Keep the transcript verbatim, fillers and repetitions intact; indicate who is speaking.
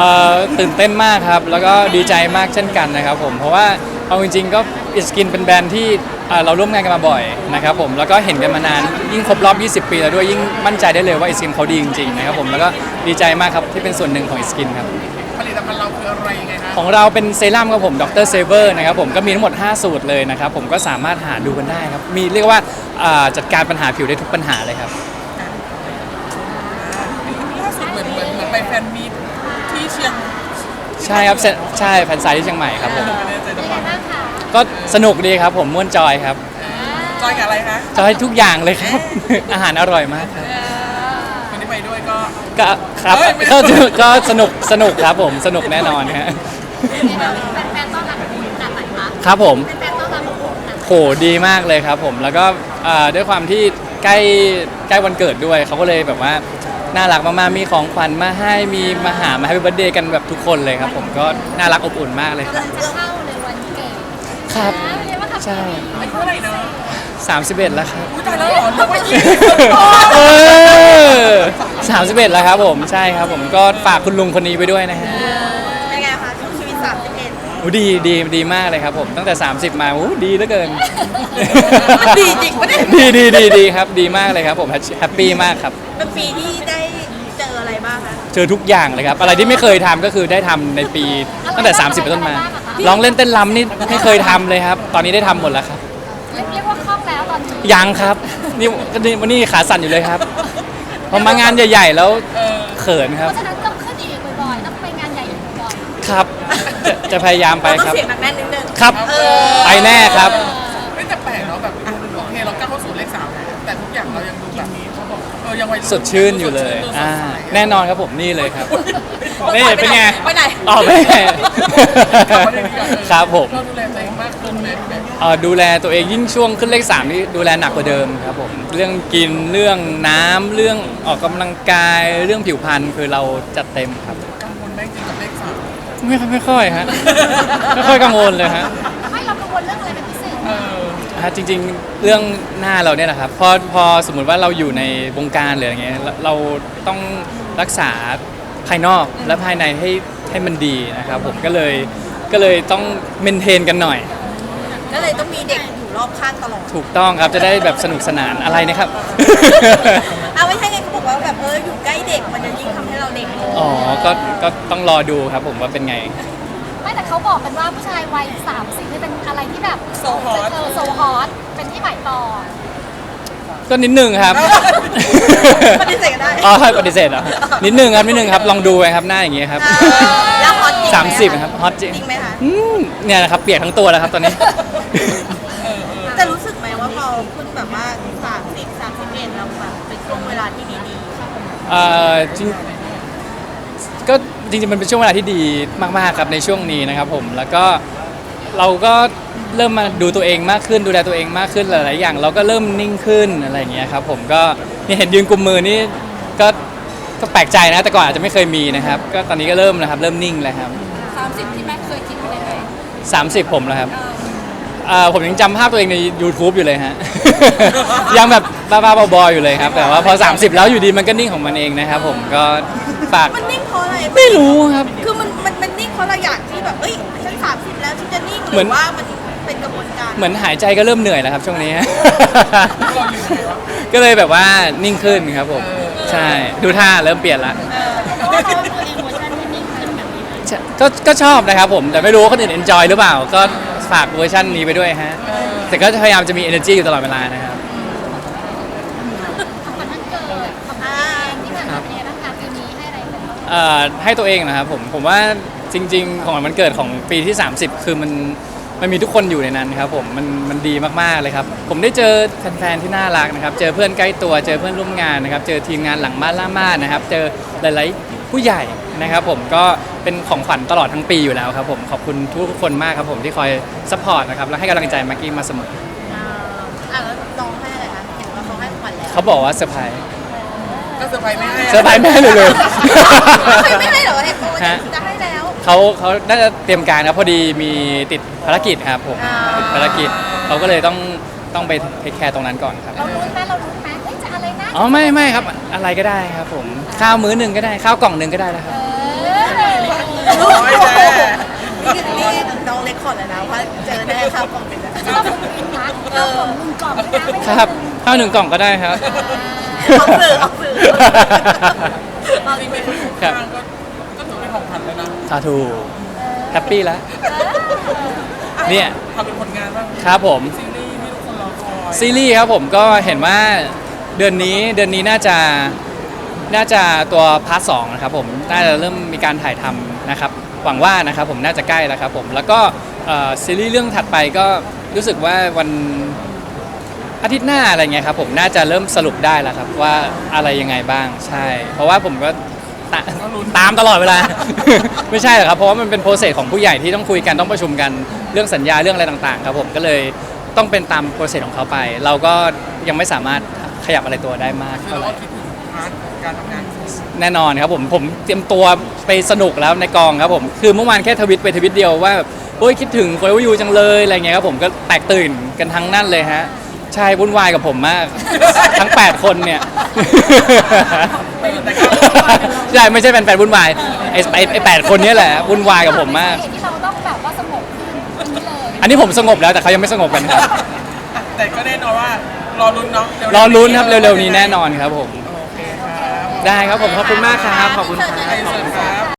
Speaker 1: อ่อตื่นเต้นมากครับแล้วก็ดีใจมากเช่นกันนะครับผมเพราะว่าเอาจริงๆก็อิสกินเป็นแบรนด์ที่เราร่วมงานกันมาบ่อยนะครับผมแล้วก็เห็นกันมานานยิ่งครบรอบยี่สิบปีแล้วด้วยยิ่งมั่นใจได้เลยว่าอิสกินเขาดีจริงๆนะครับผมแล้วก็ดีใจมากครับที่เป็นส่วนหนึ่งของอิสกินครับ
Speaker 2: ผลิตภัณฑ์เราคืออะไรยังไงฮะ
Speaker 1: ของเราเป็นเซรั่มครับผมดรเซเวอร์นะครับผมก็มีทั้งหมดห้าสูตรเลยนะครับผมก็สามารถหาดูกันได้ครับมีเรียกว่าจัดการปัญหาผิวได้ทุกปัญหาเลยครับ
Speaker 2: ล่าสุดเหมือนเหมือนเหมือนไปแฟนมีตที่เชียง
Speaker 1: ใช่ครับใช่แฟนไซต์ที่เชียงใหม่ครับผม
Speaker 2: ไม่แน่ใจจังหวัด
Speaker 1: ก็สนุกดีครับผมม่วนจอยครับ
Speaker 2: จอยกับอะไรคะ
Speaker 1: จอยทุกอย่างเลยครับอาหารอร่อยมากครับ
Speaker 2: คนที่ไปด้วยก็
Speaker 1: ก็ครับก็ก็สนุกสนุกครับผมสนุกแน่นอนฮะ
Speaker 3: แฟนๆต้อนรับขนาดไหนคะ
Speaker 1: ครับผม
Speaker 3: แฟนๆต้อนรับ
Speaker 1: โหดีมากเลยครับผมแล้วก็ด้วยความที่ใกล้ใกล้วันเกิดด้วยเขาก็เลยแบบว่าน่ารักมากๆมีของขวัญมาให้มีมาหามาให้เบิร์ธเดย์กันแบบทุกคนเลยครับผมก็น่ารักอบอุ่นมากเลย
Speaker 3: ครับจะเข้าในวันเกิด
Speaker 1: ครับใช่
Speaker 2: อายุเท่าไหร่เนาะ
Speaker 1: สามสิบเอ็ดแล้วครับ
Speaker 2: อุ้ยตายแล้วเหรอเรียกว่ายี่
Speaker 1: สามสิบเอ็ดแล้วครับผมใช่ครับผมก็ฝากคุณลุงคนนี้ไปด้วยนะฮะ
Speaker 3: เป็นไงคะช่วงชีวิตสามสิบเอ็ด
Speaker 1: โอ้ดีดีดีมากเลยครับผมตั้งแต่สามสิบมาโอ้ดีเหลือเกิน
Speaker 3: ดีจริงปะเนี่ย
Speaker 1: ดีดีดีดีครับดีมากเลยครับผมแฮปปี้มากครับ
Speaker 3: เป็นปีที่ได้เจออะไรบ้างคะ
Speaker 1: เจอทุกอย่างเลยครับอะไรที่ไม่เคยทำก็คือได้ทำในปีตั้งแต่สามสิบเป็นต้นมาร้องเล่นเต้นรำนี่ไม่เคยทำเลยครับตอนนี้ได้ทำหมดแล้วครับ
Speaker 3: เรียกว่าคล่องแล้วตอนนี้
Speaker 1: ยังครับนี่วันนี้ขาสั่นอยู่เลยครับพอมางานใหญ่ๆแล้วเขินครับ
Speaker 3: เพราะฉะนั้นต้องขึ้นอีกบ่อยๆต้องไปงานใหญ่อีกบ่อย
Speaker 1: ๆครับจะจะพยายามไปครับ
Speaker 3: ต้องเสียงหนักแน่นนิดนึง
Speaker 1: ครับไปแน่ครับ
Speaker 2: ไม่แต่แปลกเนาะแบบโอเคเราก้าวเข้าสู่เลขสามแต่ทุกอย่างเรายังดูแบบเขาบอกเออยังวัย
Speaker 1: สดชื่นอยู่เลยอ่าแน่นอนครับผมนี่เลยครับนี่เป็นไง
Speaker 3: ไปไหน
Speaker 1: อ๋อไม่ครับผม
Speaker 2: เราดูแลตัวเองมากขึ้นไหม
Speaker 1: เออดูแลตัวเองยิ่งช่วงขึ้นเลขสามนี่ดูแลหนักกว่าเดิมครับผมเรื่องกินเรื่องน้ำเรื่องออกกำลังกายเรื่องผิวพรรณคือเราจัดเต็มครับ
Speaker 2: กังวลไหมจริงกับเลขสาม
Speaker 1: ไม่ไม่ค่อยฮะไม่ค่อยกังวลเลยฮะ
Speaker 3: ไม่เรากังวลเรื่องอะไรเป็นพิเศษ
Speaker 2: เออ
Speaker 1: ฮะจริงๆเรื่องหน้าเราเนี่ยนะครับพอพอสมมุติว่าเราอยู่ในวงการหรืออะไรเงี้ยเราต้องรักษาภายนอกและภายในให้ให้มันดีนะครับผมก็เลยก็เลยต้องเมนเทนกันหน่อย
Speaker 3: ก็เลยต้องมีเด็กอยู่รอบข้างตลอด
Speaker 1: ถูกต้องครับจะได้แบบสนุกสนานอะไรนะครับ
Speaker 3: เอาไม่ใช่ไงเขาบอกว่าแบบเอออยู่ใกล้เด็กมันจะยิ่งทำให้เราเด็กลง
Speaker 1: อ๋อก็ก็ต้องรอดูครับผมว่าเป็นไง
Speaker 3: ไม่แต่เขาบอกกันว่าผู้ชายวัยสามสิบนี่เป็นอะไรที่แบบ
Speaker 2: โซฮอต
Speaker 3: โซฮอตเป็นที่หมายปอง
Speaker 1: ก็นิดนึงครับ
Speaker 3: ปฏิเสธได้
Speaker 1: อ๋อปฏิเสธเหรอนิดนึงครับนิดนึงครับลองดูไปครับหน้าอย่างเงี้ยครับ
Speaker 3: แล้วฮอตจริง
Speaker 1: สามสิบครับฮอตจริง
Speaker 3: ไหมคะ
Speaker 1: เนี่ยนะครับเปียกทั้งตัวแล้วครับตอนนี้
Speaker 3: จะรู้สึกไหมว่าพอคุณแบบว่าสามสิบสามสิบเอ็ดเราแบบเป็นช่วงเวลาที่ดี
Speaker 1: ๆเอ่อจริงก็จริงๆมันเป็นช่วงเวลาที่ดีมากๆครับในช่วงนี้นะครับผมแล้วก็เราก็เริ่มมาดูตัวเองมากขึ้นดูแลตัวเองมากขึ้นหลายๆอย่างเราก็เริ่มนิ่งขึ้นอะไรอย่างเงี้ยครับผมก็นี่เห็นยืนกุมมือนี่ก็ก็แปลกใจนะแต่ก่อนอาจจะไม่เคยมีนะครับก็ตอนนี้ก็เริ่มนะครับเริ่มนิ่งแล้วครับ
Speaker 3: สามสิบที่แม่เคยคิดไว้เลย
Speaker 1: สามสิบผมแล้วครับผมยังจำภาพตัวเองใน YouTube อยู่เลยฮะยังแบบบ้าๆบอๆอยู่เลยครับแต่ว่าพอสามสิบแล้วอยู่ดีมันก็นิ่งของมันเองนะครับผมก็ฝาก
Speaker 3: มันนิ่งเพราะอะไร
Speaker 1: ไม่รู้ครับ
Speaker 3: คือมันมันมันนิ่งเพราะเราอยากที่แบบเอ้ยฉันสามสิบแล้วฉันจะนิ่งหรือว่ามันเป็นกระบวนการ
Speaker 1: เหมือนหายใจก็เริ่มเหนื่อยแล้วครับช่วงนี้ก็เลยแบบว่านิ่งขึ้นครับผมใช่ดูท่าเริ่มเปลี่ยนละก็ก็ชอบนะครับผมแต่ไม่รู้ว่าคนอื่น enjoy หรือเปล่าก็ฝากเวอร์ชันนี้ไปด้วยฮะแต่ก็พยายามจะมี energy อยู่ตลอดเวลานะครับให้ตัวเองนะครับผมผมว่าจริงๆของวันเกิดของปีที่สามสิบคือมันมันมีทุกคนอยู่ในนั้นครับผมมันมันดีมากๆเลยครับผมได้เจอแฟนๆที่น่ารักนะครับเจอเพื่อนใกล้ตัวเจอเพื่อนร่วมงานนะครับเจอทีมงานหลังม่านล่าม่านนะครับเจอหลายๆผู้ใหญ่นะครับผมก็เป็นของขวัญตลอดทั้งปีอยู่แล้วครับผมขอบคุณทุกคนมากครับผมที่คอยซัพพอร์ตนะครับและให้กำลังใจแม็กกี้มาเสมอ
Speaker 3: อ่าแล้วน้องให้อะไรคะเห็นว่าเขาให้ขวัญแล้ว
Speaker 1: เขาบอกว่าเซอร์ไพรส์
Speaker 2: ก็เซอร์ไพรส์ไม่ให้
Speaker 1: เซอร์ไพรส์ไม่ให้เลยเลย
Speaker 3: ไม่ให้เหรอให้โปรจะให้แล้ว
Speaker 1: เขาเขาน่าจะเตรียมการครับพอดีมีติดภารกิจครับผมติดภารกิจเขาก็เลยต้องต้องไปเทคแคร์ตรงนั้นก่อนครับ
Speaker 3: เรารู้ไหมเรารู้ไหมเฮ้ยจะอะไรนะ
Speaker 1: อ๋อไม่ไม่ครับอะไรก็ได้ครับผมข้าวมื้อหนึ่งก็ได้ข้าวกล่องหนึ่งก็ได้แล้วครับ
Speaker 2: ยแน่
Speaker 3: นี่นี่น้องเล็กคอร์ดเลยนะว่าเจอแน่ครับกล่องเป็นแบบ
Speaker 4: ชอบผมจริงนะเอาผมหนึ่งกล่องนะไม่
Speaker 1: ค
Speaker 4: ใช่
Speaker 1: รับข้าวหนึ่งกล่องก็ได้ครับ
Speaker 3: ออกสื่อออกสื่อเอา
Speaker 2: จ
Speaker 3: จ
Speaker 2: ริ
Speaker 3: ริ
Speaker 2: ง
Speaker 3: ง
Speaker 2: ๆ
Speaker 3: ไหม
Speaker 2: เป็นทุกข้างก็ก็ถือเป็นของขวัญแล้วนะ
Speaker 1: สาธุแฮปปี้แล้วเนี่ย
Speaker 2: ทำเป็นผลงานบ้าง
Speaker 1: ครับผม
Speaker 2: ซีรีส์ที่ทุกคนรอคอย
Speaker 1: ซีรีส์ครับผมก็เห็นว่าเดือนนี้เดือนนี้น่าจะน่าจะตัวพาร์ทสองนะครับผมน่าจะเริ่มมีการถ่ายทำนะครับหวังว่านะครับผมน่าจะใกล้แล้วครับผมแล้วก็เอ่อซีรีส์เรื่องถัดไปก็รู้สึกว่าวันอาทิตย์หน้าอะไรเงี้ยครับผมน่าจะเริ่มสรุปได้แล้วครับว่าอะไรยังไงบ้างใช่ เพราะว่าผมก็ตาตามตลอดเวลา ไม่ใช่หรอกครับเพราะว่ามันเป็นโปรเซสของผู้ใหญ่ที่ต้องคุยกันต้องประชุมกันเรื่องสัญญาเรื่องอะไรต่างๆครับผมก็เลยต้องเป็นตามโปรเซสของเขาไป เราก็ยังไม่สามารถขยับอะไรตัวได้มาก
Speaker 2: คือ
Speaker 1: เท่า
Speaker 2: เรา
Speaker 1: ไหร่
Speaker 2: ก็คิดถึงพาร์ทการทำงาน
Speaker 1: แน่นอนครับผมผมเตรียมตัวไปสนุกแล้วในกองครับผมคือเมื่อวานแค่ทวิตไปทวิตเดียวว่าแบบโอ้ยคิดถึงโฟร์ยูจังเลยอะไรเงี้ยครับผมก็แตกตื่นกันทั้งนั่นเลยฮะใช่วุ่นวายกับผมมาก ทั้งแปดคนเนี่ย
Speaker 2: ไม่แต่ก็
Speaker 1: ใช่ไม่ใช่แฟนๆวุ่นวายไอ้ไอ้ไอ้แปดคนเนี้แหละวุ่นวายกับผมมาก
Speaker 4: ที่เราต้องแบบว่าสงบขึ้นนี้เลย
Speaker 1: อันนี้ผมสงบแล้วแต่เขายังไม่สงบกันครับ
Speaker 2: แต่ก็แน่นอนว่ารอลุ้นเนาะเวๆ
Speaker 1: รอลุ้นครับเร็วๆนี้แน่นอนครับผม
Speaker 2: โอเคครับ
Speaker 1: ได้ครับผมขอบคุณมากครับขอบคุณครับ
Speaker 2: ไอเซิร์ฟครับ